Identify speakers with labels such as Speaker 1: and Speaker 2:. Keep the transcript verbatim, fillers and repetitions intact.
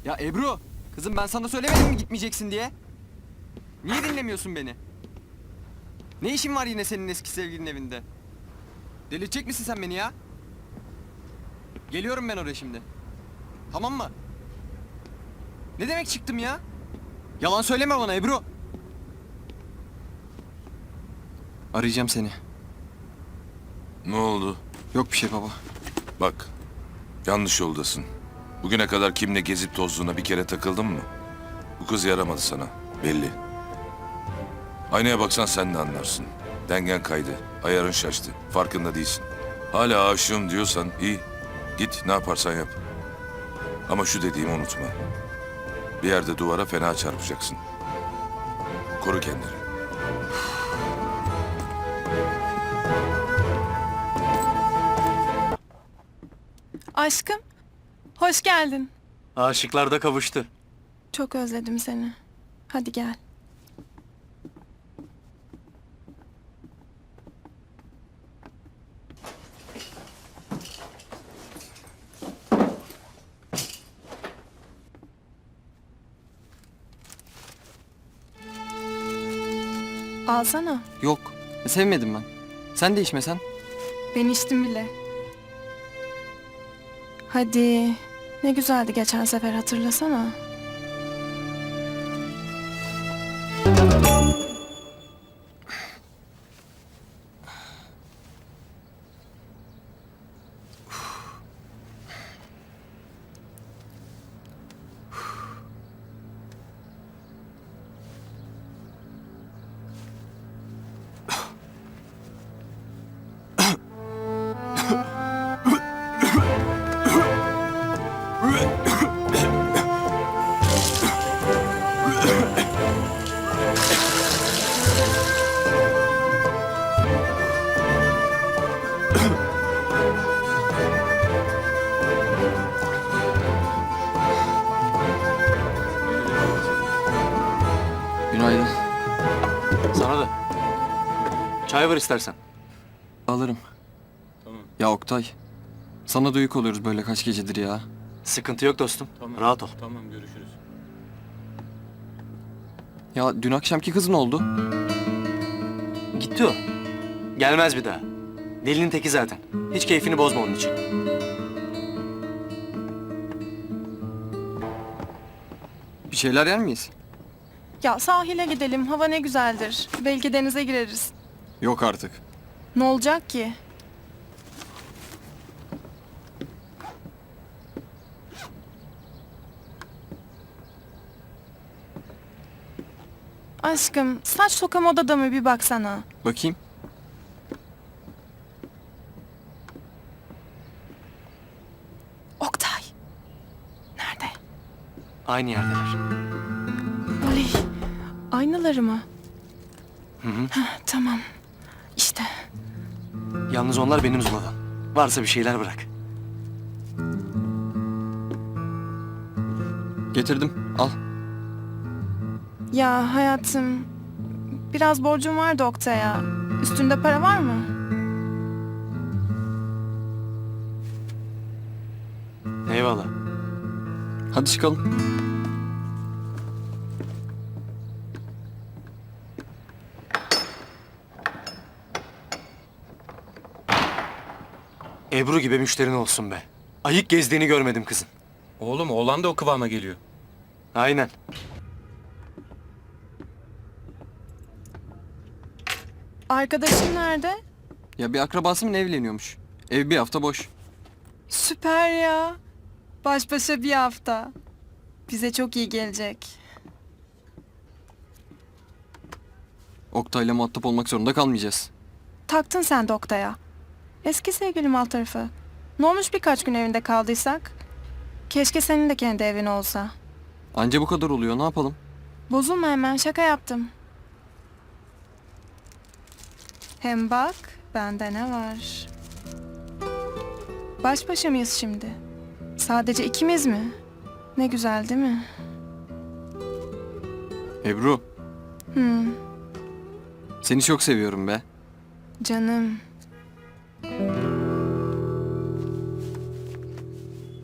Speaker 1: Ya Ebru, kızım ben sana söylemedim mi gitmeyeceksin diye? Niye dinlemiyorsun beni? Ne işin var yine senin eski sevgilinin evinde? Delirtecek misin sen beni ya? Geliyorum ben oraya şimdi. Tamam mı? Ne demek çıktım ya? Yalan söyleme bana Ebru. Arayacağım seni.
Speaker 2: Ne oldu?
Speaker 1: Yok bir şey baba.
Speaker 2: Bak, yanlış yoldasın. Bugüne kadar kimle gezip tozduğuna bir kere takıldın mı? Bu kız yaramadı sana, belli. Aynaya baksan sen de anlarsın. Dengen kaydı, ayarın şaştı, farkında değilsin. Hala aşığım diyorsan iyi, git ne yaparsan yap. Ama şu dediğimi unutma. Bir yerde duvara fena çarpacaksın. Koru kendini.
Speaker 3: Aşkım, hoş geldin.
Speaker 4: Aşıklar da kavuştu.
Speaker 3: Çok özledim seni. Hadi gel. Alsana.
Speaker 1: Yok. Sevmedim ben. Sen de içmesen.
Speaker 3: Ben içtim bile. Hadi. Ne güzeldi geçen sefer, hatırlasana.
Speaker 1: Günaydın.
Speaker 4: Sana da. Çay var istersen.
Speaker 1: Alırım.
Speaker 5: Tamam.
Speaker 1: Ya Oktay. Sana da yük oluyoruz böyle kaç gecedir ya.
Speaker 4: Sıkıntı yok dostum.
Speaker 5: Tamam.
Speaker 4: Rahat ol.
Speaker 5: Tamam, görüşürüz.
Speaker 1: Ya dün akşamki kız ne oldu?
Speaker 4: Gitti o. Gelmez bir daha. Delinin teki zaten. Hiç keyfini bozma onun için.
Speaker 1: Bir şeyler yer miyiz?
Speaker 3: Ya sahile gidelim, hava ne güzeldir. Belki denize gireriz.
Speaker 1: Yok artık.
Speaker 3: Ne olacak ki? Aşkım, saç toka modada mı bir baksana.
Speaker 1: Bakayım.
Speaker 3: Oktay. Nerede?
Speaker 4: Aynı yerdeler.
Speaker 3: Oley. Aynaları mı?
Speaker 4: Hı hı.
Speaker 3: Heh, tamam. İşte.
Speaker 4: Yalnız onlar benim Zula'dan. Varsa bir şeyler bırak.
Speaker 1: Getirdim. Al.
Speaker 3: Ya hayatım, biraz borcum vardı Oktay'a. Üstünde para var mı?
Speaker 4: Eyvallah.
Speaker 1: Hadi çıkalım.
Speaker 4: Ebru gibi müşterin olsun be. Ayık gezdiğini görmedim kızın.
Speaker 5: Oğlum, oğlan da o kıvama geliyor.
Speaker 4: Aynen.
Speaker 3: Arkadaşın nerede?
Speaker 1: Ya bir akrabası mı ne evleniyormuş? Ev bir hafta boş.
Speaker 3: Süper ya. Baş başa bir hafta. Bize çok iyi gelecek.
Speaker 1: Oktay'la muhatap olmak zorunda kalmayacağız.
Speaker 3: Taktın sen de Oktay'a. Eski sevgilim alt tarafı. Ne olmuş birkaç gün evinde kaldıysak? Keşke senin de kendi evin olsa.
Speaker 1: Anca bu kadar oluyor, ne yapalım?
Speaker 3: Bozulma hemen, şaka yaptım. Hem bak, bende ne var? Baş başa mıyız şimdi? Sadece ikimiz mi? Ne güzel değil mi?
Speaker 1: Ebru,
Speaker 3: Hmm,
Speaker 1: seni çok seviyorum be.
Speaker 3: canım.